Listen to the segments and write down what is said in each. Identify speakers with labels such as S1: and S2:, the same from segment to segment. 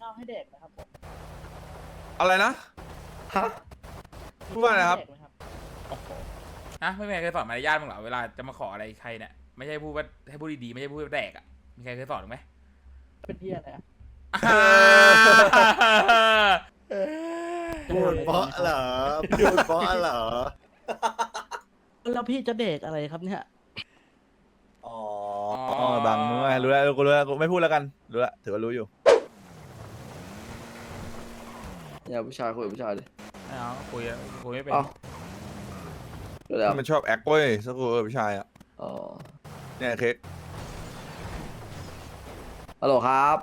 S1: ข้าวให้เด็กนะครับผม
S2: อะไรนะ
S3: ฮะ
S2: พูดว่าอะไรครับ
S1: เด็กนะครับ
S4: โอ้โหนะไม่มีใครเคยสอนมารยาทมึงเหรอเวลาจะมาขออะไรใครเนี่ยไม่ใช่พูดว่าให้พูดดีๆไม่ใช่พูดว่าแดกอ่ะมีใครเคยสอนหรือไหม
S1: เป็นเหี้ยอะไรอะ
S3: พูดเพราะเหรอพูดเพราะเหรอ
S1: แล้วพี่จะเด็กอะไรครับเนี่ย
S3: อ๋อ
S2: อ๋อบังมึงไงรู้แล้วกูรู้แล้วกูไม่พูดแล้วกันรู้แล้วถือว่ารู้อยู่
S3: อย่าผู้ชายคุยกับผู้ชายดิ
S4: ไม่เอาคุยไม่เป็น
S3: เอ้าเดี๋ยว
S2: มันชอบแอคเว้ยสักกูผู้ชายอ่ะ
S3: อ๋อ
S2: เนี่ยเค้ก
S3: ฮัลโหลครับ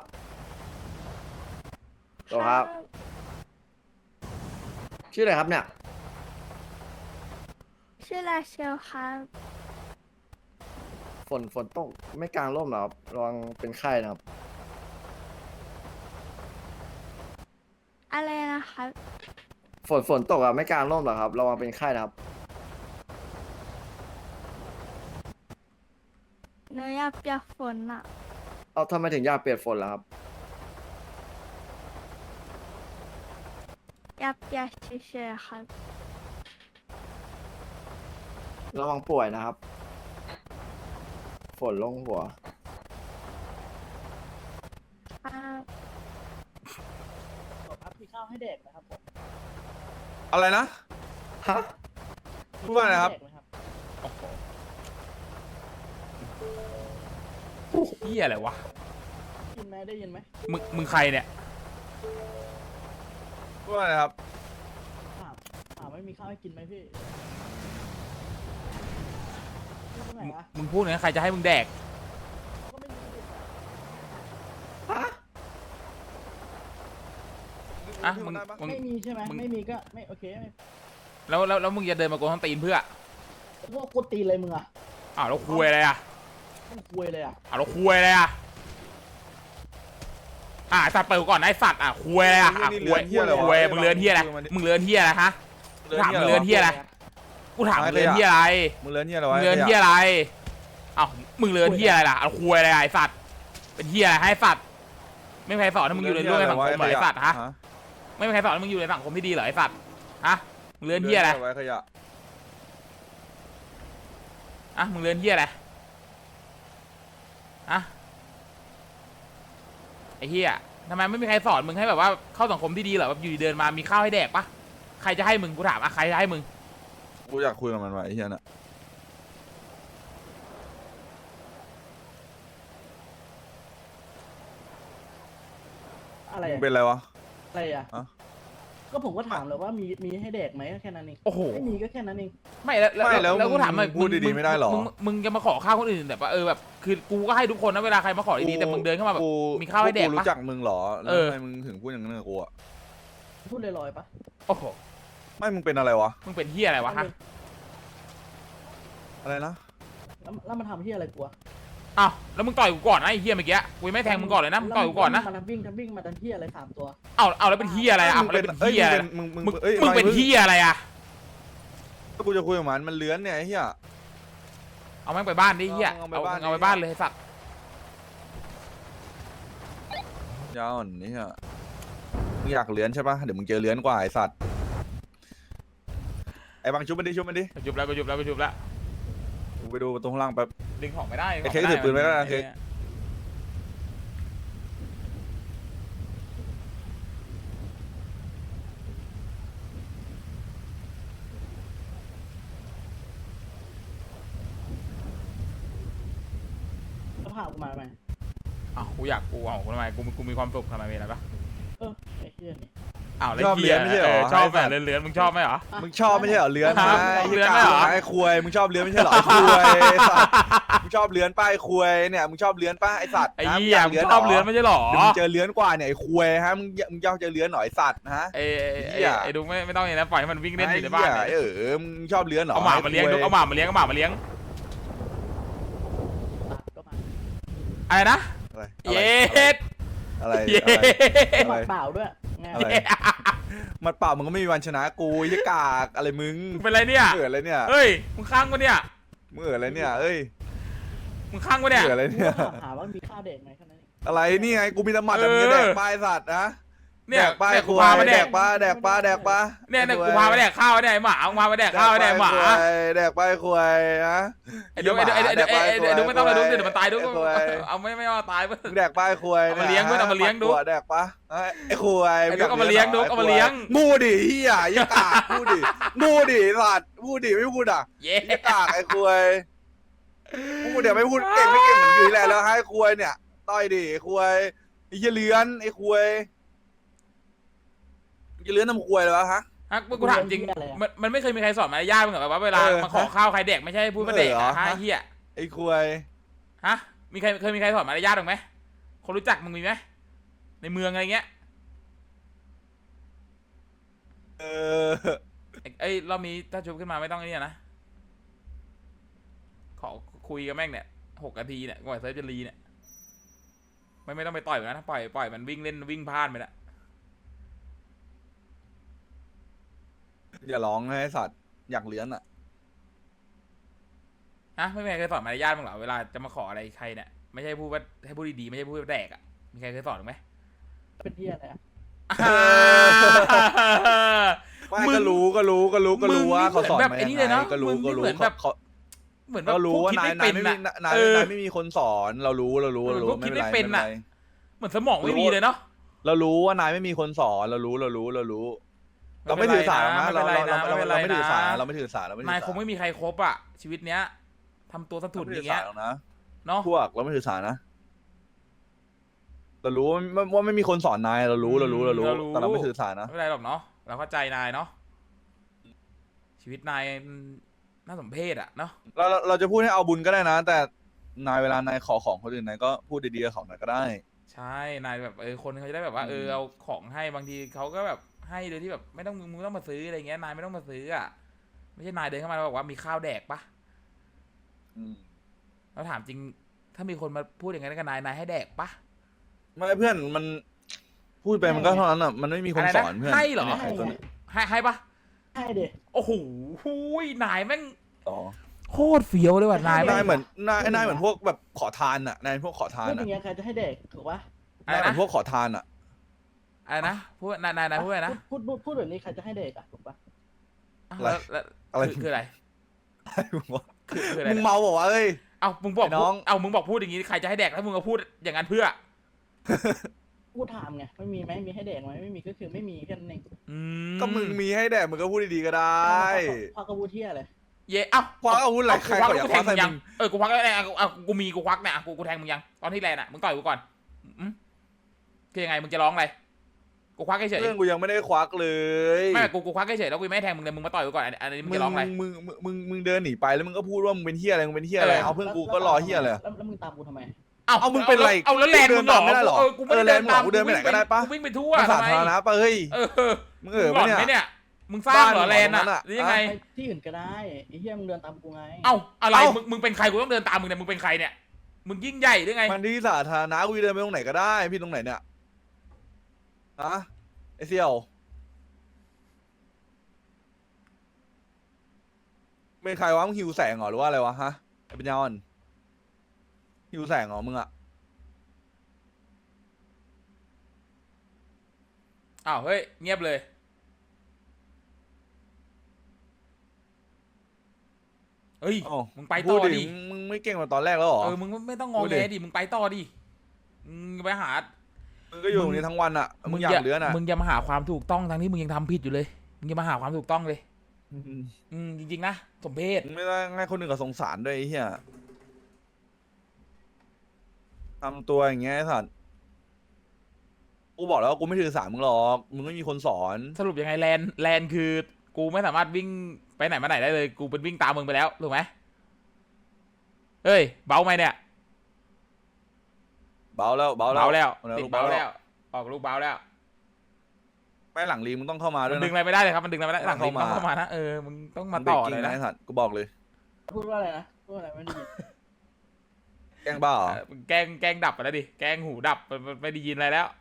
S3: ฮัลโหลครับ ชื่ออะไรครับเนี่ย
S5: ชื่อลาเชลครับ
S3: ฝนตกไม่กลางร่มเหรอครับระวังเป็นไข้นะครับ
S5: อะไรนะครับ
S3: ฝนตกอะไม่กลางร่มเหรอครับระวังเป็นไข้นะครับ
S5: หนูอยากเปียกฝนอ่ะ
S3: เอาทำไมถึงอยากเปียกฝนล่ะครับ
S5: อยากเปียกเฉยๆครับ
S3: ระวังป่วยนะครับ ฝนลงหัว
S5: ครับ
S1: ครับมีข้าวให้เด็กนะครับผม
S2: อะไรนะ
S3: ฮะ
S2: พูดว่าอะไรครับ
S1: เด็กนะครับ
S4: เหี้ยอะไรวะ
S1: กินไหมได้ยินไหม
S4: มึงใครเนี่ย
S2: พูดว่าอะไรครับ
S1: ถามไม่มีข้าวให้กินไหมพี่พี่คนไหนอะ
S4: มึงพูดอย่างนั้นใครจะให้มึงแดก
S1: ก็ไม่มีดิ
S4: อ่ะมึง
S1: ไม่มีใช่ไหม
S4: มึง
S1: ไม่มีก็ไม่โอเคไม่
S4: แล้วมึงจะเดินมากวนท้องตีนเพื่อ
S1: พวกกูตีนเลยมึงอะ
S4: อ้าวแล้วคุยอะไรอ่ะ
S1: มึงคุยเลยอะ
S4: อ้าวแล้วคุยอะไรอ่ะสัตว์เปิดกูก่อนนะไอ้สัตว์คุยอะไรอ่ะคุยคุยมึงเลือนเหี้ยอะไรมึงเลือนเหี้ยอะไรฮะถามมึงเลือนเหี้ยอะไรกูถามมึงเลือนเหี้ยอะไร
S2: มึงเลือนเหี้ยอะไร
S4: มึ
S2: วะ
S4: งเลือนเหี้ยอะไรอ้าวมึงเลือนเหี้ยอะไรล่ะเอาคุยอะไรไอ้สัตว์เป็นเหี้ยอะไรให้สัตว์ไม่มีใครสอนให้มึงอยู่ในร่วมในสังคมเหรอไอ้สัตว์ฮะไม่มีใครสอนให้มึงอยู่ในสังคมที่ดีเหรอไอ้สัตว์ฮะมึงเลือนเหี้ยอะไร
S2: ไว้ขยะ
S4: มึงเลือนเหี้ยอะไรไอ้เหี้ยทำไมไม่มีใครสอนมึงให้แบบว่าเข้าสังคมที่ดีเหรอแบบอยู่ดีเดินมามีข้าวให้แดกปะใครจะให้มึงกูถามใครจะให้มึง
S2: กูอยากคุยกับมันว่ะไอ้เหี้ยน่ะ
S1: อะไร
S2: มึง
S1: อะ
S2: เป็นอะไรวะ
S1: อะไรอะ
S2: อะ
S1: ก็ผมก็ถามเลยว่ามีให้เด็กไหมก็แค่นั้นเอง
S4: โอ้โห
S1: ไม่มีก็แค่นั้นเอง
S4: ไม่แล้วกูถามหน่อย
S2: พูดดีๆไม่ได้หรอ
S4: มึงจะมาขอข้าวคนอื่นแบบว่าแบบคือกูก็ให้ทุกคนนะเวลาใครมาขอดีๆแต่มึงเดินเข้ามาแบบมีข้าวให้แดก
S2: กู
S4: ปะ
S2: รู้จักมึงเหรอแล้ว
S4: เออ
S2: ทำไมมึงถึงพูดอย่างนั้นกับกูอ่ะ
S1: พูดลอยๆปะ
S4: โอ้โห
S2: ไม่มึงเป็นอะไรวะ
S4: มึงเป็นเหี้ยอะไรวะฮะ
S2: อะไรนะ
S1: แล้วมันทำที่อะไรกูอะ
S4: อ้าวแล้วมึงต่อยกูก่อนนะไอ้เหี้ยเมื่อกี้กูยังไม่แทงมึงก่อนเลยนะมึงต่อยกูก่อนนะ
S1: มันวิ่งมาทันที่อะไร3 ตัว
S4: เอาแล้วเป็นเหี้ยอะไรอ่ะแล้วเป็นเหี้ยอะไร
S2: มึง
S4: มึงเป็นเหี้ยอะไรอ่ะ
S2: กูจะคุยกับมันเลื้อนเนี่ยไอ้เหี้ย
S4: เอาแม่งไปบ้านดิเหี้ย
S2: เอาไป
S4: เอา
S2: บ้าน
S4: เอาไปบ้านเลยไอ้สัตว์
S2: ยาวอ่อนนี่ฮะมึงอยากเลื้อนใช่ปะเดี๋ยวมึงเจอเลื้อนกว่าไอ้สัตว์ไอ้บางชุบมันดิ
S4: กูจุบแล้ว
S2: กูไปดูประตูข้างล่างแป๊บ
S4: ดึงของไม่ได้
S2: ไอ้เค้กถือปืนไว้แล้วนะเค้ก
S1: แล้วพากูมาไหม
S4: อ้าวกูอยากกูเอาทำไมกูมีความสุขทำไมมีอะไรปะ
S1: ไอ้เหี้ยนี่
S4: อ้าวแล้วเหี้ยชอบแบบเลื้อนๆมึงชอบไหมเหรอ
S2: มึงชอบไม่ใช่เหรอเลื้อน
S4: ครับ
S2: ไอ้
S4: เลื้อนไม่เหรอ
S2: ไอ้ควยมึงชอบเลื้อนไม่ใช่เหรอไอ้ควยไอ้สัตว์มึงชอบเลื้อนป้าไอ้ควยเนี่ยมึงชอบเลื้อนป้าไอ้สัตว์
S4: ไอ้
S2: นะ
S4: เหี้ยมึงชอบเลื้อนไม่ใช่หรอ
S2: เดี๋ยวมึงเจอเลื้อนกว่าเนี่ยไอ้ควยฮะมึงยอมเจอเลื้อนหน่อยไอ้สัตว์นะฮะ
S4: ไอ้ดุงไม่ต้องอย่างนั้นปล่อยให้มันวิ่งเล่นอยู่ในบ้าน
S2: ไอ้เหี้ยมึงชอบเลื้อนเหรอ
S4: เอาหมามาเลี้ยงดุงเอาหมามาเลี้ยง
S1: ก็มา
S4: อะไรนะ
S2: อะไร
S4: เย็ด
S2: อะไร
S4: เย็
S2: อะไร
S4: ด
S1: เปล่าด้วยไง
S2: อะไรมันเปล่ามึงก็ไม่มีวันชนะกูไอ้กากอะไรมึง
S4: มึงเป็นไรเนี่ย
S2: มึงเอิดอะไรเนี่ย
S4: เฮ้ยมึงข้างกูเนี่ย
S2: มึงเอิดอะไรเนี่ยเอ้ย
S4: มึงข้างกูเนี่ย
S2: มึงเอิดอะไร
S1: กู
S2: เนี่ย
S1: ก็ถามว่ามีข้าวเด็กไหมแค่นั้นเอง
S2: อะไรนี่ไงกูมีน้ำมันแต่มึงจะแดกปลายสัตว์นะ
S4: เนี่ย
S2: แดกปลาย
S4: เนี่ย
S2: ค
S4: กู
S2: ว
S4: พาย มาแด
S2: แด
S4: ก
S2: กปลาแดกปลาแดกปลา
S4: เนี่ยกูพามาแดกข้าวเนี่ยไอ้หมามึงพามาแดกข้าวเนี่ยไอ้หมา
S2: แดกปลายควายฮะ
S4: ไอ้ดุ๊กไม่ต้องเลยดุ๊กเดี๋ยวมันตายดุ๊ก
S2: ไอ้ควาย
S4: เอาไม่เอาตายเพื่อน
S2: มึงแดกปลายควาย
S4: เอามาเลี้ยงเว้ยเอามาเลี้ยงดู
S2: แดกปะไอ้ควาย
S4: ไอ้ดุ๊กเอามาเลี้ยงดุ๊กเอามาเลี้ยง
S2: งูดิเฮียยี่กากงูดิงูดิสัตว์งูดิไม่พูดอ่ะ
S4: เย้
S2: ยี่กากไอ้ควายพูดเดี๋ยวไม่พูดเก่งไม่เก่งเหมือนอยู่แหละแล้วให้ควายเนี่ยต่อยดิควายไอ้เหี้ยเลื้อนไอ้ควายจะเลื้อนทำควายเลยวะฮะ
S4: ฮะกูถามจริงมันไม่เคยมีใครสอนมารยาทมึงเหรอแบบว่าเวลามาขอข้าวใครแดกไม่ใช่พูดมาแดกฮะเฮีย
S2: ไอ้ควาย
S4: ฮะเคยมีใครสอนมารยาทหรือไหมคนรู้จักมึงมีไหมในเมืองอะไรเงี้ย
S2: เออ
S4: ไอ้รอบนี้ถ้าชุบขึ้นมาไม่ต้องนี่นะขอคุยกับแม่งเนี่ย6 นาทีเนี่ยก่อนเซิร์ฟจะรีเนี่ยไม่ต้องไปต่อยมันนะปล่อยมันวิ่งเล่นวิ่งพลาดไปละ
S2: อย่าร้องให้สัตว์อยากเลื้อนอ่ะ
S4: ฮะไม่มีใครเคยสอนมารยาทมึงเหรอเวลาจะมาขออะไรใครเนี่ยไม่ใช่พูดว่าให้พูดดีๆไม่ใช่พูดว่าแดกอ่ะมีใครเคยสอนหรือไหม
S1: เป็นเหี้ยอะไรอะ
S2: ไม่ก็รู้ว่าเขาสอน
S4: แบบ
S2: มา
S4: ไอ้
S2: ยัง
S4: นี่
S2: ไง
S4: เลยเนาะ
S2: ก็รู้
S4: มึงนี่เหมือนแบบ
S2: เขา
S4: เหมือนแบบ
S2: ก็รู้ว่า
S4: คิด
S2: นาย
S4: ไม่
S2: นาย
S4: เป็น
S2: ไม่มี
S4: อะ
S2: นาย
S4: เออ
S2: ไม่มีคนสอนเรารู้
S4: เหมือนพวก
S2: ไม่
S4: คิด
S2: เป็น
S4: ไม่
S2: ไร
S4: เป็น
S2: ไม่
S4: อะ
S2: เป็นไร
S4: เหมือนสมองไม่มีเลยเนาะ
S2: เรารู้ว่านายไม่มีคนสอนเรารู้เราไม่ถือสานะเราไม่ถือสาเราไม่ถือสาเราไม่ถือสาน
S4: ายคงไม่มีใครครบอ่ะชีวิตเนี้ยทำตัวสะทุนอย่างเงี้ย
S2: นะ
S4: เนาะ
S2: พวกเราไม่ถือสานะเรารู้ว่าไม่มีคนสอนนายเรารู้แต่เราไม่ถือสานะ
S4: ไม่เป็นไรหรอกเนาะเราเข้าใจนายเนาะชีวิตนายน่าสมเพชอ่ะเนาะ
S2: เราจะพูดให้เอาบุญก็ได้นะ แต่นายเวลานายขอของคนอื่นนายก็พูดดีๆกับเขาหน่อยก็ได้
S4: ใช่นายแบบคนเขาจะได้แบบว่าเอาของให้บางทีเขาก็แบบให้โดยที่แบบไม่ต้องมึงต้องมาซื้ออะไรเงี้ยนายไม่ต้องมาซื้ออ่ะไม่ใช่นายเดินเข้ามาแล้วบอกว่ามีข้าวแดกปะ เราถามจริงถ้ามีคนมาพูดอย่างนั้นกับนายให้แดกปะ
S2: ไม่เพื่อนมันพูดไปมันก็เท่านั้นอ่ะมันไม่มีคนสอนเพื่อน
S4: ให้เหรอ
S2: ไตัวนี้
S4: ให้ปะ
S1: ให้เด็ก
S4: โอ้โหนายแม่ง
S2: อ๋อ
S4: โคตรเฟี้ยวเลยว่ะนาย
S2: นายเหมือนนายเหมือนพวกแบบขอทานอ่ะนายพวกขอทาน
S1: พูดอ
S2: อ่ะ
S1: ย่างเงี้ยใครจะให้เด็กถูกปะ
S4: อะไร
S2: นายเหมื
S4: นะ
S2: อนพวกขอทานอ่ะ
S4: อะไรนะพูดนายพูดอะไรนะ
S1: พูดแบบนี้ใครจะให้เด็กอะถูกปะ
S2: อะไร
S4: คืออะไร คืออะไร
S2: มึงเมาบอกว่าเอ้ย
S4: เอามึงบอก
S2: ไอ้น้อง
S4: เอามึงบอกพูดอย่างนี้ใครจะให้แดกแล้วมึงก็พูดอย่างนั้นเพื่อ
S1: กูถามไงไม่มีไหมมีให้เด็กไหมไม่มีก็คือไม่มีแค่นั้นเอง
S2: ก็มึงมีให้แดกมึงก็พูดดีๆก็ได้
S1: พ่อกระบูเที่ยเลย
S4: เย่เอ้า
S2: ควักอาวุธอะไรใครเขาอยากควักใส่
S4: ยั
S2: มึง
S4: กูควักแล้วกูมีกูควักเนี่ยกูแทงมึงยังตอนที่แลนด์อ่ะมึงต่อยกูก่อนคือยังไงมึงจะร้องอะไรกูควักเฉย
S2: เรื่องกูยังไม่ได้ควักเลย
S4: ไม่กูควักเฉยแล้วกูไม่แทงมึงเลยมึงมาต่อยกูก่อนอันนี้มึงจะร้องอะไร
S2: มึงเดินหนีไปแล้วมึงก็พูดว่ามึงเป็นเฮียอะไรมึงเป็นเฮียอะไรเอาเพื่อนกูก็รอเฮียอะไร
S1: แล้วมึงตามกูทำไม
S2: เอามึงเป็นไร
S4: เอาแล้วแลนด์มึงหรอ
S2: ไม่ได้หรอ
S4: กูไม่ได้เดินตาม
S2: กูเดินไปไหนก็ได้ปะ
S4: กูวิ่งไปทั่ว
S2: มันสา
S4: ทำไม
S2: ธารณะปะเฮ้ย มึง
S4: หลอนไหมเนี่ยมึงสร้างเหรอแลนด์อ่ะหรือยังไง
S1: ไปที่อื่นก็ได้ไอ้เหี้ยมึงเดินตามกูไง
S4: เอ้าอะไรมึงเป็นใครกูต้องเดินตามมึงเนี่ยมึงเป็นใครเนี่ยมึงยิ่งใหญ่หรือไง
S2: มันที่สาธารณะกูเดินไปตรงไหนก็ได้พี่ตรงไหนเนี่ยฮะไอเสี่ยวเป็นใครวะมึงหิวแสงเหรอหรือว่าอะไรวะฮะไอปัญญาอ่อนหิวแสงเหรอมึงอะ
S4: อ้าวเฮ้ยเงียบเลยเฮ้ย
S2: อ้าว
S4: มึงไป
S2: พู
S4: ต่
S2: ด
S4: อ
S2: ดิ
S4: ดิ
S2: มึงไม่เก่งกว่าตอนแรกแล้วเหรอ
S4: มึงไม่ต้องงอ
S2: พูด
S4: แง
S2: ดิ
S4: ดิมึงไปต่อดิมึงไปหา
S2: มึงก็อยู่ตรงนี้ทั้งวันอะมึงอยากเลื้อนอะ
S4: มึงอย่ามาหาความถูกต้องทั้งที่มึงยังทำผิดอยู่เลยมึงอย่ามาหาความถูกต้องเลยจริงๆนะสมเพช
S2: มึงไม่ได้ให้คนอื่นกับสงสารด้วยไอ้เหี้ยทำตัวอย่างเงี้ยไอ้สัตว์กูบอกแล้วว่ากูไม่ถือสามึงหรอกมึงไม่มีคนสอน
S4: สรุปยังไงแลนคือกูไม่สามารถวิ่งไปไหนมาไหนได้เลยกูเป็นวิ่งตามมึงไปแล้วถูกไหมเฮ้ยเบาไหมเนี่ย
S2: เบาแล้ว
S4: เบาแล้ว
S2: เอา
S4: ติด
S2: ลูก
S4: เบา
S2: เบาแล้
S4: แล้ว วออกลูกเบาแล้ว
S2: ไม่หลังลีมึงต้องเข้ามาด้
S4: มั
S2: วย
S4: นดึง
S2: นะ
S4: อะไรไม่ได้เลยครับมันดึงอะไรไม่ได้หลังนี้
S2: เข้า
S4: มัน
S2: มา
S4: ต้องเข้ามานะมึงต้องมา
S2: เบร
S4: ต่
S2: ก
S4: อ
S2: กิ้
S4: เล
S2: ง
S4: ย
S2: นะ
S4: นะ
S2: ไอ้สัตว์กูบอกเลย
S1: พูดว่าอะไรนะพูดอะไรไม่ได้ยิน
S2: แกล้งบ้าเหรอ
S4: แกล้งดับไปแล้วดิแกล้งหูดับมันไม่ได้ยินอะไรแล้ว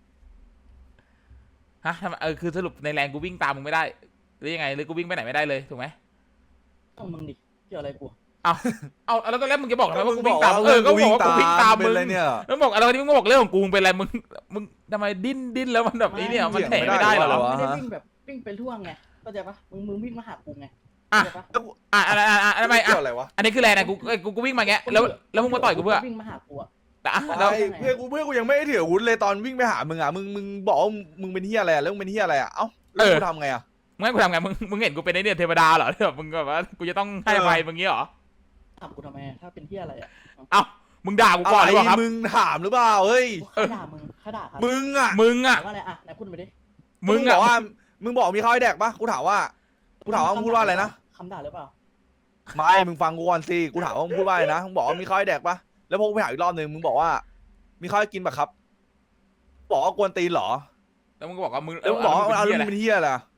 S4: ฮะทำไมคือสรุปในแรงกูวิ่งตามมึงไม่ได้หรือยังไงหรือกูวิ่งไปไหนไม่ได้เลยถูกไหม
S1: ต้องมึงดิเกี่ยวอะไรกู
S4: เอาแล้วตอนแรกมึงจะบอกทำไมว่ากู
S2: บ
S4: วิ่
S2: อง ก
S4: ตาม
S2: ว่า
S4: ก็บอกว่ากูวิ่งตาม
S2: เป็
S4: มึ
S2: น
S4: ง
S2: อะไรเนี่ย
S4: แล้วบอกอะไรที่มึงบอกเรื่องของกูมึงเป็นอะไรมึงทำไมดิ้นแล้วมันแบบนี้เนี่ยมันแถไม่ได้เหรอ
S1: ไม่ได้วิ่งแบบวิ่งไปทั่วไงเข้าใจปะมึงวิ่งมาหากูไง
S4: อ่ะ
S1: เข้าใจปะ
S4: อะไรทำไม
S2: เกี่ยวอะไรวะ
S4: อันนี้คืออะไรนะกูวิ่งมาแงแล้วมึงมาต่อยกูเพื่อ
S1: วิ่งมาหากูอะ
S4: แต่
S2: แล้
S4: แล้ว ว
S2: เพื่อนกูยังไม่ได้ถืออาวุธเลยตอนวิ่งไปหามึงอ่ะมึงบอกว่ามึงเป็นเฮียอะไรอ่ะแล้วมึงเป็นเฮียอะไรอ่ะเอ้าแล้วกูทำไงอ่ะ
S4: มึงให้กูทำไงมึงเห็นกูเป็นไอ้เนี่ยเทวดาเหรอที่แบบมึงแบบว่ากูจะต้องให้อภัยมึงงี้เหรอ
S1: ถามกูทำไมอะถ้าเป็นเที่ยอะไรอะ
S4: เอ้ามึงด่ากูก่อนหรือเปล่าครับ
S2: มึงถามหรือเปล่าเฮ้ย
S1: ข้าด่ามึงข้าด่าครับ
S2: มึงอ่ะ
S4: อ่ะ
S1: ถามว่าอะไรอะไหนพูดมาดิ
S4: มึง
S2: บ
S4: อ่ะ
S2: อกว่ามึงบอกมีข้าวให้แดกปะกูถามว่ามึงพูดว่าอะไรนะ
S1: คำด่าหรือเปล่า
S2: ไม่มึงฟังกูก่อนสิกูถามว่ามึงพูดว่าอะไรนะมึงบอกว่ามีข้าวให้แดกปะแล้วพอกูไปหาอีกรอบนึงมึงบอกว่ามีข้าวให้กินปะครับบอกว่ากวนตีนเหรอ
S4: แล้วมึงก็บอกว่ามึง
S2: แล้วมึงบอกว่าเอา
S4: มึ
S2: แล้วมึงเป็นเฮียอะไรอ่ะ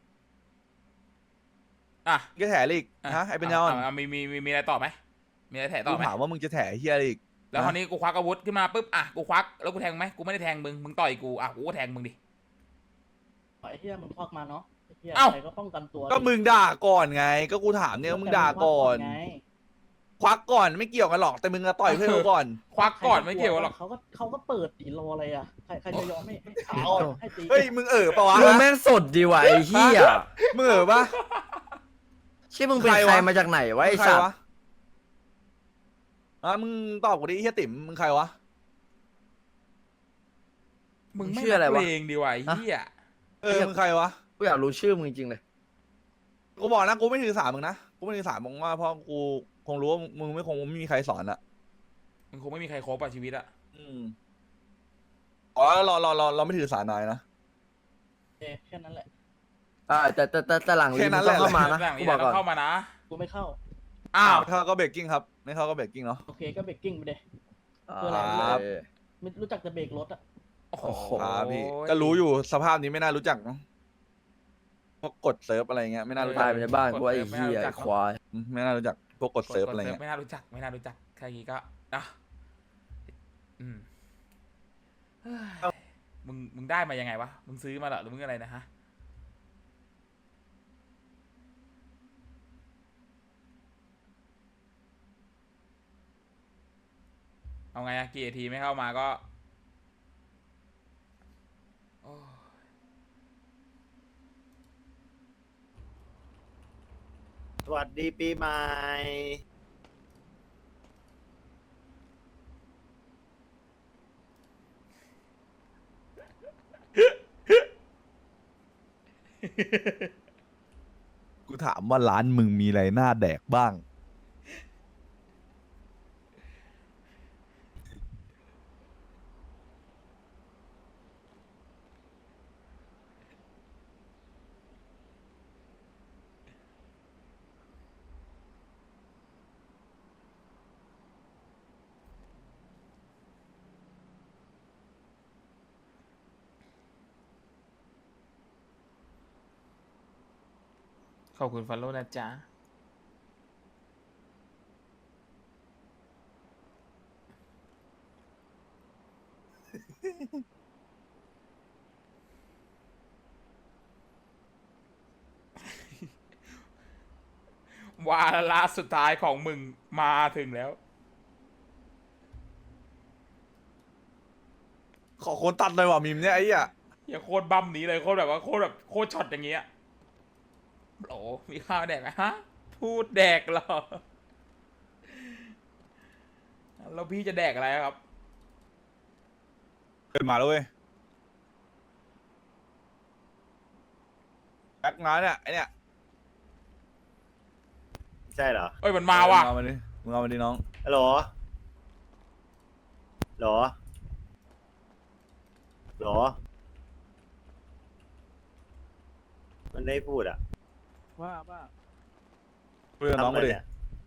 S4: อ่ะ
S2: แกแถอีกฮะไอ้เป็นยอน
S4: มีอะไรต่อไหมมีอะไรแถต่
S2: กู
S4: อไหม
S2: ถามว่ามึงจะแถเฮียอะไรอีก
S4: แล้วคราวนี้กูควักอาวุธขึ้นมาปุ๊บอ่ะกูควักแล้วกูแทงไหมกูไม่ได้แทงมึงต่อยกูอ่ะกูก็แทงมึงดิ
S1: ไอ้เที่ยมึงควักมาเนาะไอ้เที่ย
S4: เอ้า
S1: ใครก็ป้องกันตัว
S2: ก็มึงด่าก่อนไง ก็กูถามเนี่ยว่ามึงด่าก่อน
S1: ไง
S2: ควักก่อนไม่เกี่ยวกันหรอกแต่มึงอะต่อยเพื่อนกูก่อน
S4: ควักก่อนไม่เกี่ยวหรอก
S1: เขาก็เปิดตีรออะไรอะใครจะยอมให้ให้ตี
S2: เฮ้ยมึงปะวะ
S3: มึงแม่งสดดีว่ะไอ้เหี้ย
S2: มึงปะ
S3: เชี่ยมึงเป็น
S2: ใคร
S3: ใคร
S2: วะ
S3: มาจากไหนวะไอ้
S2: ใคร
S3: สัตว์
S2: วะมึงตอบกูดิเฮียติ๋มมึงใครวะ
S4: มึงไม่นักเลงดีว่ะไอ้เหี้ย
S2: มึงใครวะ
S3: กูอยากรู้ชื่อมึงจริงๆเลย
S2: กูบอกนะกูไม่ถือสามึงนะกูไม่ถือสามึงว่าเพราะกูคงรู้ว่ามึงไม่มีใครสอนอะ
S4: มึงคงไม่มีใครครบอ่ะชีวิตอ่ะ
S2: อ๋อเราไม่ถือสานายนะ
S1: แค่นั้นแหละ
S3: แต่หลัง
S2: แค่
S3: ลี
S2: นั้
S3: มึ
S2: น
S3: ง
S2: แห
S3: ต้
S2: ละ
S3: องเข้ามานะ
S4: หลัง
S3: กู
S4: นี้
S3: บอก
S4: ต้
S3: ก่
S4: อ
S3: อน
S4: งเข้ามานะ
S1: กูไม่เข้า
S4: อ้าว
S2: ไม่เข้าก็เบรกกิ้งครับไม่เข้าก็เบรกกิ้งเนาะ
S1: โอเคก็เบรกกิ้งไปเดย
S2: ครับ
S1: ไม่รู้จักจะเบรกรถอะ
S4: โอ้โห
S2: ครับพี่ก็รู้อยู่สภาพนี้ไม่น่ารู้จักเนอะพวกกดเซิร์ฟอะไรเงี้ยไม่น่ารู้จั
S3: ตาก ยไปในบ้านกูไอ้เหี้ยไอ้ควาย
S2: ไม่น่ารู้จักพวกกดเซิร์ฟอะไรเงี้ย
S4: ไม่น่ารู้จักแค่นี้ก็นะอืมเฮ้ยมึงได้มายังไงวะมึงซื้อมาเหรอหรือมึงอะไรนะฮะเอาไงอะกี่นาทีไม่เข้ามาก็โอ้
S6: สวัสดีปีใหม่
S2: กูถามว่าร้านมึงมีอะไรน่าแดกบ้าง
S4: ขอบคุณฟอลโล่นะจ๊ะ วาระสุดท้ายของมึงมาถึงแล้ว
S2: ขอคนตัดเลยว่ะมิมเนี่ยไอ้เหี้ย
S4: อย่าโคตรบั้มนี้เลยโคตรแบบว่าโคตรช็อตอย่างเงี้ยโหลมีข้าวแดกไหมฮะ พูดแดกเหรอ แล้วพี่จะแดกอะไรครับ
S2: เกิดมาแล้วเว้ยแบ็คงานเนี่ยไอเนี่ย
S6: ใช่เหรอ
S4: เอ้ยมันมาว่ะ
S2: มึงเอามาดิน้อง
S6: ฮัลโหลหรอหรอ มันได้พูดอ่ะ
S1: ว่า
S2: คุยกับน้อง
S6: ทำะ
S2: มา
S6: ไร
S2: ดิ
S6: เนี่ย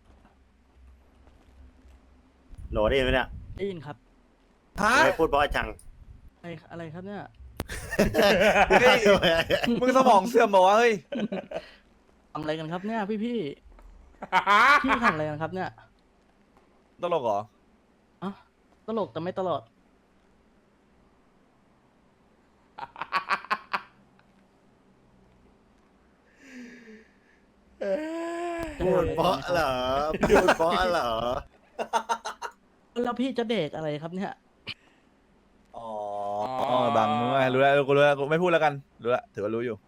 S6: หรอได้ยินไหมเนี่ย
S1: ได้ยินครับ
S2: ฮะ
S6: ไม่พูดเพราะจัง
S1: อะไรครับเนี่ย
S2: เฮ้ยมึงสมองเสื่อมบอกว่าเฮ้ย
S1: ทำอะไรกันครับเนี่ยพี่ทำอะไรกันครับเนี่ย
S2: ตลกเหรอ
S1: อ๋อตลกแต่ไม่ตลอด
S4: เอ้ย
S6: พูดเพราะเหรอพูดเพราะเหรอ
S1: แล้วพี่จะเด็กอะไรครับเนี่ย
S2: อ๋อบังมึงไงรู้แล้วกูรู้แล้วกูไม่พูดแล้วกันรู้แล้วถือว่ารู้อยู่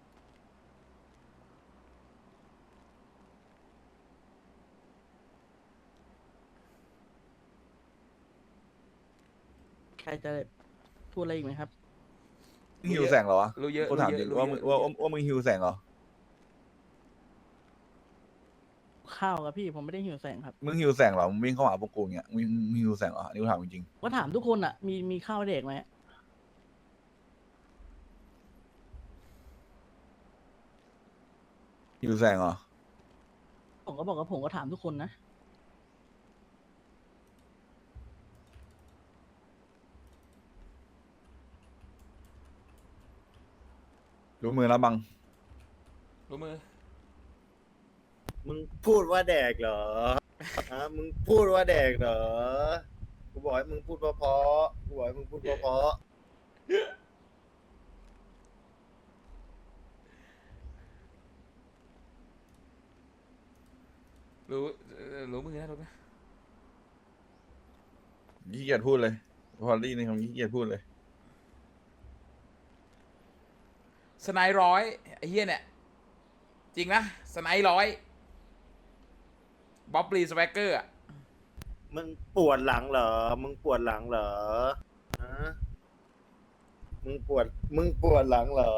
S1: ใครจะพูดอะไรอีกไหมครับ
S2: มึงหิวแสงเหรอวะ
S4: รู้เยอะ
S2: กูถามจริงว่ามึงว่ามึงหิวแสงเหรอ
S1: ข้าวครับพี่ผมไม่ได้หิวแสงครับ
S2: มึงหิวแสงเหรอมึงวิ่งเข้าหาพวกกูอย่างเงี้ยมึงหิวแสงเหรออันนี้กูถามจริง
S1: ก็ถามทุกคนอ่ะ มีข้าวให้เด็กไหม
S2: ๆหิวแสงเหรอ
S1: ผมก็บอกว่าผมก็ถามทุกคนนะ
S2: รู้มือแล้วบัง
S4: รู้มือ
S6: มึงพูดว่าแดกเหรอฮะมึงพูดว่าแดกเหรอกูบอกให้มึงพูดเพราะๆกูบอกให้มึงพูดเพราะ
S4: รู้มือนะรู้นะ
S2: ขี้เกียจพูดเลยพอลี่ในคำขี้เกียจพูดเลย
S4: สไนร้อยไอ้เหี้ยเนี่ยจริงนะสไนร้อยบ๊อบลีสแวกเกอร์
S6: ๆมึงปวดหลังเหรอมึงปวดหลังเหรอฮะมึงปวดหลังเหรอ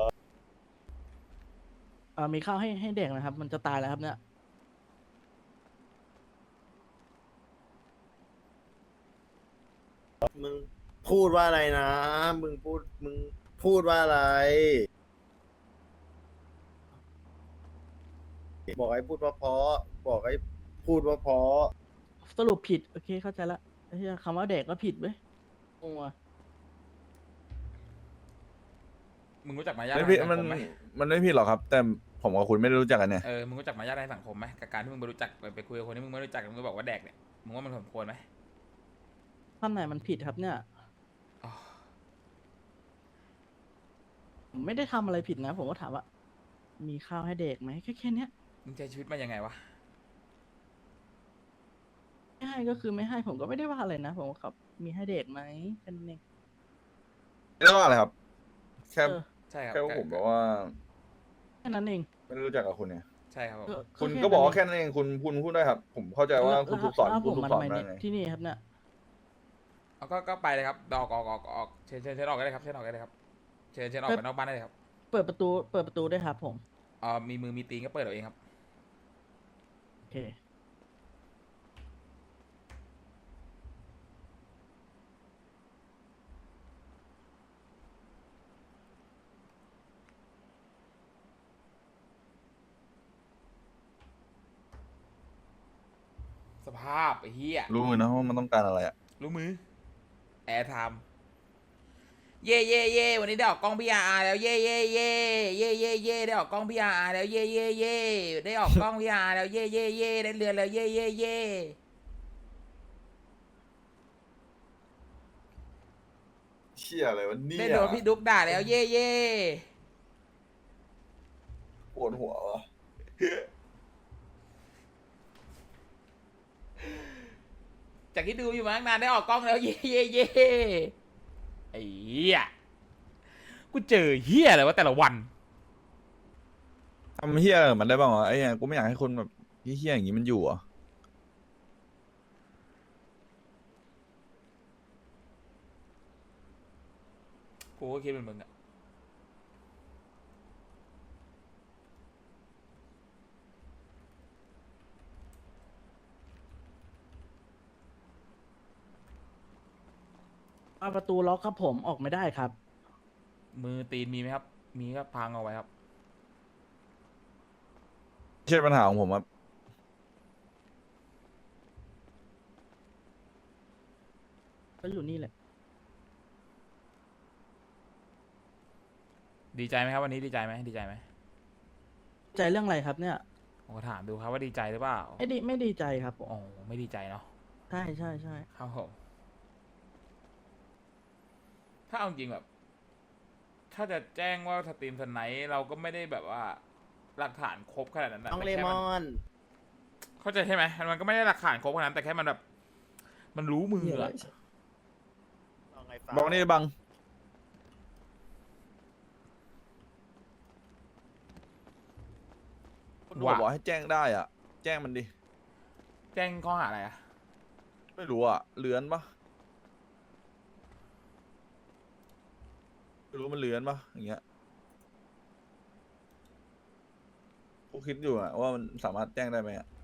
S1: มีข้าวให้เด็กนะครับ มันจะตายแล้วครับเนี่ย
S6: มึงพูดว่าอะไรนะ มึงพูดว่าอะไร บอกให้พูดเพราะๆบอกให้พูดว่าเพราะ
S1: สรุปผิด โอเคเข้าใจละไอ้เหี้ยคำว่าเด็กก็ผิดเว้ยงงว่ะ
S4: มึงรู้จักมารยาท
S2: ไม่
S4: ใน
S2: ผิด
S4: สัง
S2: มัน
S4: คมไหม
S2: มันไม่ผิดหรอกครับ แต่ผมกับคุณไม่ได้รู้จักกันเนี่ย
S4: มึงรู้จักมารยาทในสังคมไหมกับการที่มึงไปรู้จักไปคุยกับคนที่มึงไม่รู้จักมึงก็บอกว่าแดกเนี่ยมึงว่ามันสมควรไหม
S1: ท่านไหนมันผิดครับเนี่ย
S4: อ๋อ
S1: ผมไม่ได้ทำอะไรผิดนะ ผมก็ถามว่า มีข้าวให้เด็กไหมแค่เนี้ย
S4: มึงใช้ชีวิตมายังไงวะ
S1: ไม่ให้ก็คือไม่ให้ผมก็ไม่ได้ว่าอะไรนะ ผมก็ครับ มีให้เด็กไหมแค่นั้นเอง
S2: ไม่ต้องอะไรครับ แค่
S1: เออ
S4: ใช่ครับ
S2: แค่ว่าผมบอกว่า
S1: แค่นั้นเอง
S2: ไม่ได้รู้จักกับคุณเนี่ย
S4: ใช่ครับผม
S2: คุณ
S1: แค่
S2: ก็บอกว่า
S1: นั้น
S2: แค่นั้นเองคุณพูดได้ครับ ผมเข้าใจว่าคุณถูกสอน
S1: แล้ว
S2: คุณ
S1: ผม
S2: ถูก
S1: มา
S2: ส
S1: ทำ
S2: อน
S1: ไม
S2: มา
S1: เนี่ย
S2: ไง
S1: ที่นี่ครับเนี่ย
S4: เอาก็ไปเลยครับออกเชิญออกก็ได้ครับเชิญออกก็ได้ครับเชิญออกไปนอกบ้านได้เลยครับ
S1: เปิดประตูได้วยครับผม
S4: มีมือมีตีนก็เปิดเอาเองครับ
S1: โอเค
S4: สภาพไอ้เหี้ย
S2: รู้มือนะว่ามันต้องการอะไรอ่ะ
S4: รู้มือแอร์ไทม์เย่เย่เย่วันนี้ได้ออกกล้องพีอาร์แล้วเย่เย่เย่เย่เย่เย่ได้ออกกล้องพีอาร์แล้วเย่เย่เย่ได้ออกกล้องพีอาร์แล้วเย่เย่เย่ได้เรือนแล้วเย่เย่เย่
S2: เชี่ยอะไรวะเนี่ย
S4: ได้โดนพี่ดุ๊กด่าแล้วเย่เย่
S2: ปวดหัววะ
S4: จากที่ดูอยู่มาตั้งนานได้ออกกล้องแล้วเย่เย่เย่ไอ้เหี้ยกูเจอเหี้ยอะไรวะแต่ละวัน
S2: ทำเฮี้ยอะไรกับมันได้บ้างวะไอ้เนี่ยกูไม่อยากให้คนแบบเฮี้ยๆอย่างนี้มันอยู่อ่ะ
S4: กูก็คิดเป็นมึงอะ
S1: ประตูล็อกครับผมออกไม่ได้ครับ
S4: มือตีนมีไหมครับ มีก็พังเอาไว้ครับ
S2: ไม่ใช่ปัญหาของผมครับ
S1: ก็อยู่นี่แหละ
S4: ดีใจไหมครับวันนี้ดีใจไหมดีใจไหม
S1: ใจเรื่องอะไรครับเนี่ย
S4: ผมก็ถามดูครับว่าดีใจหรือเปล่า
S1: ไม่ดีใจครับผม
S4: อ๋อไม่ดีใจเนาะ
S1: ใช่ใช่ใช่
S4: ครับผมถ้าเอาจริงแบบ ถ้าจะแจ้งว่าสตรีมสไนท์เราก็ไม่ได้แบบว่า หลักฐานครบขนาดนั้นนะ
S6: น้อง
S4: แต่
S6: เล
S4: แค่
S6: ม
S4: มัน
S6: อน
S4: เข้าใจใช่ไหมมันก็ไม่ได้หลักฐานครบขนาดนั้นแต่แค่มันแบบมันรู้มืออะ
S6: เอาไงฟ้า
S2: บอกนี่บัง คุณบอกให้แจ้งได้อ่ะ แจ้งมันดิ
S4: แจ้งข้อหาอะไรอะ
S2: ไม่รู้อ่ะเลือนปะไม่รู้มันเลือนปะอย่างเงี้ยกูคิดอยู่อ่ะว่ามันสามารถแจ้งได้ไหมอ่ะ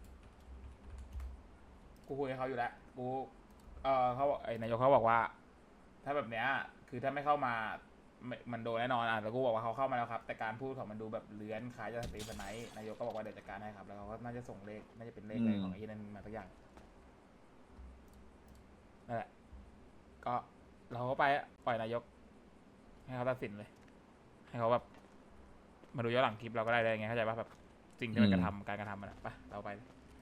S4: กูคุยกับเขาอยู่แล้วกูเขาบอกไอ้นายกเขาบอกว่า ถ้าแบบเนี้ยคือถ้าไม่เข้ามามันโดนแน่นอนอ่ะแล้วกูบอกว่าเขาเข้ามาแล้วครับ แต่การพูดของมันดูแบบเลื้อนคล้ายจะสตรีมสไนท์นายกก็บอกว่าเดี๋ยวจัดการให้ครับแล้วเขาก็น่าจะส่งเลขน่าจะเป็นเลขอะไรของไอ้นั่นมาสักอย่างนั่นแหละก็เราก็ไปปล่อยนายก ให้เขาตัดสินเลย ให้เขาแบบมาดูย้อนหลังคลิปเราก็ได้เลยไงเข้าใจป่ะแบบสิ่งที่มันกระทำการกระทำมันอะไปเราไป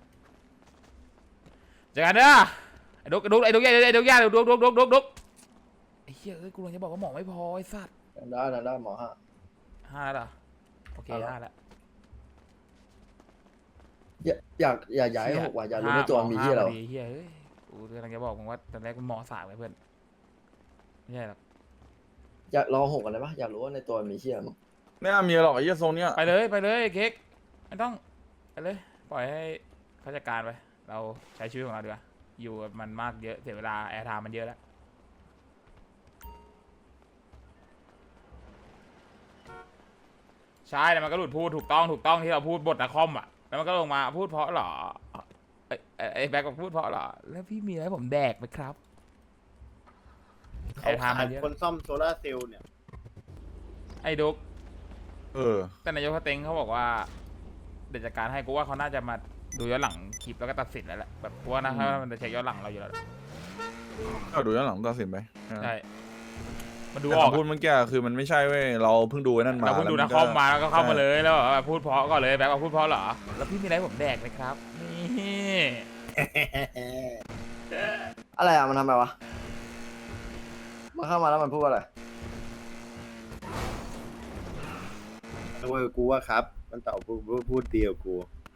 S4: เจอกันเด้อไอ้ดุกไอ้ดุกไอ้ดุกย่าไอ้ดุกไอ้เหี้ยเอ้ยกูเลยจะบอกว่าหมอไม่พอไอ้สัตว์
S3: ได้หมอฮะ
S4: 5แล้วเหรอโอเค
S3: เอาละ
S4: 5แล้ว
S3: อย่าให้หกว่ะอย่ารู้ในตัวมีที่เรา
S4: ห้าพอดีเหี้ยเอ้ยกูกำลังจะบอกมึงว่าตอนแรกกูหมอ3เลยเพื่อนไม่ใช่หรอก
S3: อยากรอหกกันได้ปะอยากรู้ว่าในตัวมีที่อะไรมั้ง
S2: ไม่น่ามีหรอกไอ้เหี้ยทรงเนี้ย
S4: ไปเลยเค้กไม่ต้องไปเลยปล่อยให้เขาจัดการไปเราใช้ชีวิตของเราดีกว่าอยู่กับมันมากเยอะเสียเวลาแอร์ไทม์มันเยอะแล้วใช่แต่มันก็หลุดพูดถูกต้องที่เราพูดบทนักคอมอ่ะแล้วมันก็ลงมาพูดเพราะเหรอไอ้แบ็คบอกพูดเพราะเหรอแล้วพี่มีอะไรให้ผมแดกไหมครับแอ
S6: เขา
S4: ร์ไทม์
S6: ขา
S4: มั
S6: ด
S4: นเยอะ
S6: คนซ่อมโซลาร์เซลล์เนี่ย
S4: ไอ้ดุก
S2: เออ
S4: แต่นายกสเต็งเขาบอกว่าเดี๋ยวจัดการให้กูว่าเขาน่าจะมาดูย้อนหลังคลิปแล้วก็ตัดสินแล้วแหละแบบกูว่านะถ้ามันจะเช็คย้อนหลังเราอยู่แล้ว
S2: ก็ดูย้อนหลังตัดสินไป
S4: ใช่มันดู
S2: แต่
S4: ออก
S2: คำพูดเมื่อกี้คือมันไม่ใช่เว้ยเราเพิ่งดูไอ้นั่นมา
S4: เราเพิ่งดู
S2: แล้
S4: นะ
S2: ว
S4: คอมมาแล้วก็เข้ามา
S2: ใช่
S4: เลยแล้วแบบพูดเพราะก่อนเลยแบบว่าพูดเพราะเหรอแล้วพี่มีอะไรให้ผมแดกไหมครับนี่
S3: อะไรอ่ะมันทำไมวะมันเข้ามาแล้วมันพูดว่าอะไร
S6: เว้ยกูว่าครับ มันตอบพูดเดียวกู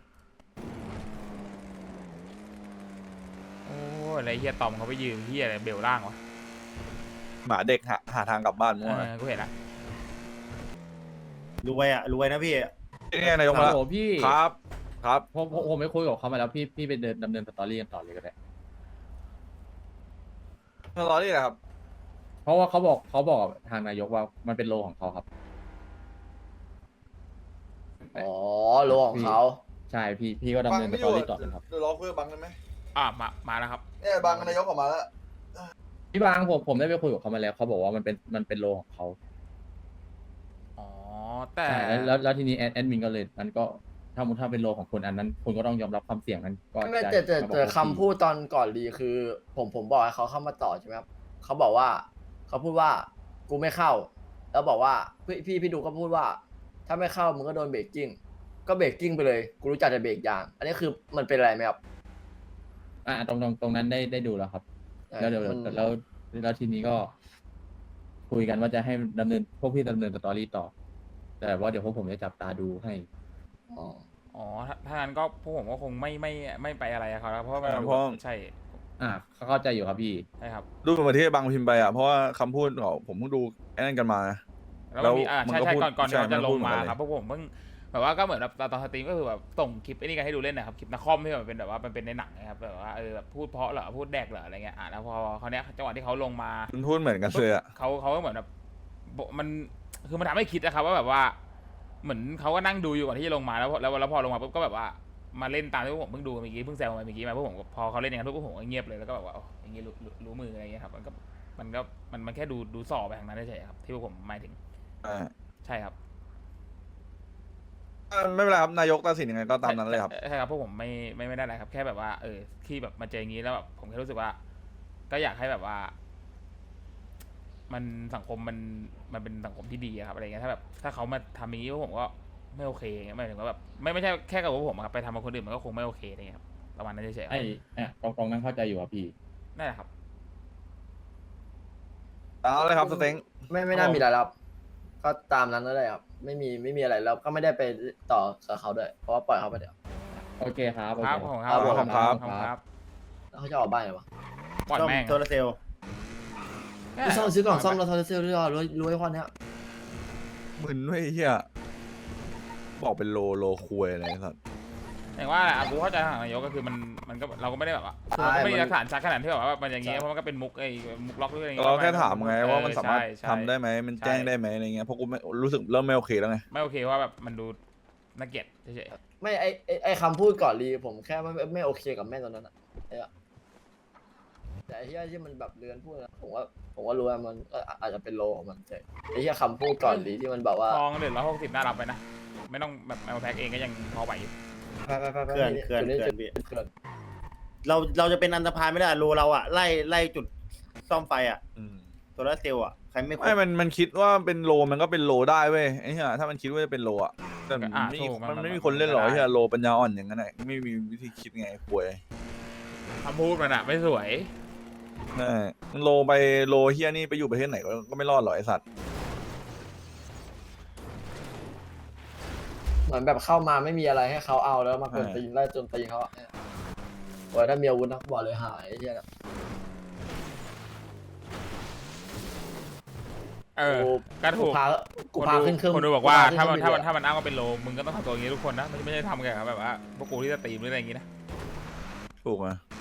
S4: โอ้ยอะไรเฮียตอมเขาไปยืมเฮียอะไรเบลล่างวะ
S2: หมาเด็กหาทางกลับบ้านมั่ว
S4: กูเห็นละ
S6: รวยนะพี่
S2: นี่ไงนายกมาแล้ว
S7: โอ้พี่
S2: ครับ ครับ
S7: ผมไม่คุยกับเขามาแล้วพี่ไปดำเนินสตอรี่กันต่อเลยก็ได้
S2: ตอนนี้แหละครับ
S7: เพราะว่าเขาบอกกับทางนายกว่ามันเป็นโลของเขาครับ
S3: อ๋อโลของเขา
S7: ใช่พี่ก็ดำเนินสตอรี่ต่อเลยครับ
S2: เดี๋ยวรอคุยกับบังได้ไหม
S4: มาแล้วครับ
S2: เนี่ยบังนายกออกมาแล้ว
S7: พี่บางผมได้ไปคุยกับเขามาแล้วเขาบอกว่ามันเป็นโลของเขา
S4: อ๋อแต่
S7: ใช่แล้วทีนี้แอดมินก็เลยมันก็ถ้าเป็นโลของคนอันนั้นคุณก็ต้องยอมรับความเสี่ยงนั้นก็
S3: ไม่
S7: จะ
S3: แต่
S7: มาบอก
S3: แต่
S7: ว่า
S3: คำพูดตอนก่อนรีคือ ผมบอกให้เขาเข้ามาต่อใช่ไหมครับเขาบอกว่าเขาพูดว่ากูไม่เข้า แล้วบอกว่าพี่ดูก็พูดว่า ถ้าไม่เข้ามึงก็โดนเบรกกิ้งก็เบรกกิ้งไปเลยกูรู้จักแต่เบรกยาง อันนี้คือมันเป็นอะไรไหมครับ
S7: ตรงนั้นได้ดูแล้วครับ แล้วเดี๋ยว
S3: มัน
S7: แล้วทีนี้ก็ คุยกันว่าจะให้พวกพี่ดำเนินสตอรี่ต่อ แต่ว่าเดี๋ยวพวกผมจะจับตาดูให้
S3: อ๋อ
S4: อ๋อถ้างั้นก็พวกผมก็คงไม่ไปอะไรกับเขาแล้วเพราะว่ามัน
S2: เพราะ
S4: ใช่
S7: เข้าใจอยู่ครับพี่
S4: ใช่ครับ
S2: รูปเหมือนที่บังพิมพ์ไปอ่ะเพราะว่าคำพูดของผมเพิ่งดูไอ้นั่นกันมานะ
S4: แล้วมันมี
S2: แล้วมัน
S4: ใช่
S2: ก็
S4: ใช่
S2: พูด
S4: ก่อนที่
S2: ใช่
S4: เขาจะ
S2: มัน
S4: ล
S2: พู
S4: ง
S2: ดเหมือน
S4: มา
S2: กันเลย
S4: ครับพวกผมเพิ่งแบบว่าก็เหมือนแบบตอนสตรีมก็คือแบบส่งคลิปไอ้นี่กันให้ดูเล่นนะครับคลิปนักคอมที่แบบเป็นแบบว่ามันเป็นในหนังนะครับแบบว่าแบบพูดเพราะเหรอพูดแดกเหรออะไรเงี้ยแล้วพอเขาเนี้ยจังหวะที่เขาลงมา
S2: มันพูดเหมือนกันเลยอ่ะ
S4: เขาก็เหมือนแบบมันคือมันทำให้คิดนะครับว่าแบบว่าเหมือนเขาก็นั่งดูอยู่ก่อนที่จะลงมาแล้วพอลงมาปุ๊บก็แบบว่ามาเล่นตามที่พวกผมเพิ่งดูเมื่อกี้เพิ่งแซวมาเมื่อกี้มาพวกผมพอเขาเล่นอย่างนั้นพวกผมก็เงียบเลยแล้วก็แบบว่าอย่างงี้รู้มืออะไรเงี้ยครับมันแค่ดูสอบไปทางนั้นเฉยๆครับที่พวกผมหมายถึงใช่ครับ
S2: ไม่เป็นไรครับนายกตัดสินยังไงก็ตามนั้นเลยครับ
S4: ใช่ครับพวกผมไม่ได้อะไรครับแค่แบบว่าที่แบบมาเจออย่างนี้แล้วแบบผมแค่รู้สึกว่า ก็อยากให้แบบว่า มันสังคมมันเป็นสังคมที่ดีอะครับอะไรเงี้ยถ้าเขามาทำอย่างนี้พวกผมก็ไม่โอเคเงี้ยหมายถึงว่าแบบไม่ใช่แค่กับพวกผมอะครับไปทำกับคนอื่นมันก็คงไม่โอเคอะไรเงี้ยครับประมาณนั้นเฉยๆครับ
S7: ตรงนั้นเข้าใจอยู่ครับพี่
S4: นั่นแหละครับ
S2: เอาเลยครับสเต็ง
S3: ไม่น่ามีอะไรแล้วครับก็ตามนั้นนั่นแหละครับไม่มีอะไรแล้วก็ไม่ได้ไปต่อกับเขาด้วยเพราะว่าปล่อยเขาไปเดี๋ยว
S7: โอโอเคครับโอ
S4: ค
S7: เ
S4: รับผมค
S3: ครั
S4: รับบ
S3: ผม
S4: ครับ
S7: ครับ
S4: ครับ
S3: แล้วเขาจะออกบ้านเหรอวะ
S4: ปล่อย
S6: ซ่อม
S4: แม่ง
S6: โซลาร์เซลล์
S3: ไปซ่อมซื้อกล่องซ่อมรถโซลาร์เซลล์ด้วยรู้ไอ้ข้อเนี้ย
S2: มึนเว้ยไอ้เฮียบอกเป็นโลคุยอะไรสัตว์
S4: อย่างว่าแหละกูเข้าใจทางนายกก็คือมันก็เราก็ไม่ได้แบบว่าเราก็ไม่ได้หลักฐานชัดขนาดที่แบบว่ามันอย่างเงี้ยเพราะมันก็เป็นมุกมุกล็อกหรืออะไรอย่างเงี้ย
S2: เราแค่ถามไงว่ามันสามารถ
S4: ใช่
S2: ทำได้ไหมมันแจ้งได้ไหมอะไรเงี้ยเพราะกูไม่รู้สึกเริ่มไม่โอเคแล้วไง
S4: ไม่โอเคว่าแบบมันดูน่าเกลียดเฉย
S3: ไม่ไอคำพูดก่อนรีผมแค่ไม่โอเคกับแม่ตอนนั้นอะไอ้อะแต่ไอ้เหี้ยที่มันแบบเลือนพูดนะผมว่ารู้ว่ามันก็อาจจะเป็นโลของมันแต่ไอ้เหี้ยคำพูดก่อนรีที่มันแบบว่า
S4: ๆทองเหลือ160น่ารับไปนะไม่ต้องแบบเอาแพ็กเองก็ยังพอไหวอยู่
S3: ไป
S6: เขื่อนพี่
S3: เขื่อน
S6: เราจะเป็นอันธพาลไม่ได้โลเราอะไล่จุดซ่อมไฟอะ
S2: อืม
S6: โซลาร์เซลล์อะใครไม่
S2: ไม่มันคิดว่าเป็นโลมันก็เป็นโลได้เว้ยไอ้เหี้ยถ้ามันคิดว่าจะเป็นโลอ่ะแต่มันไม่มีคนเล่นหรอกไอ้เหี้ยโลปัญญาอ่อนอย่างนั้นไงไม่มีวิธีคิดไงป่วย
S4: คำพูดมันอะไม่สวย
S2: นั่นแหละโลไปโลเฮียนี่ไปอยู่ประเทศไหนก็ไม่รอดหรอกไอ้สัตว์
S3: เหมือนแบบเข้ามาไม่มีอะไรให้เขาเอาแล้วมากวนตีนไล่จนตีนเขาอะโอ้ยถ้ามีอาวุธนะบอกเลยหายไอ้เหี้ยนะ
S4: ก็ถูก
S3: กูพาขึ้นเครื่อง
S4: คนดูบอกว่า
S3: กูพ
S4: ถ้ามัน
S3: ขึ้
S4: ถ้า
S3: เค
S4: มัน
S3: รื่องบิเลย
S4: ถ้ามันอ้างว่าเป็นโลมึงก็ต้องทำตัวอย่างนี้ทุกคนนะไม่ใช่ทำกันแบบว่าพวกกูที่จะตีมหรืออะไรอย่างงี้นะ
S2: ถูกไหม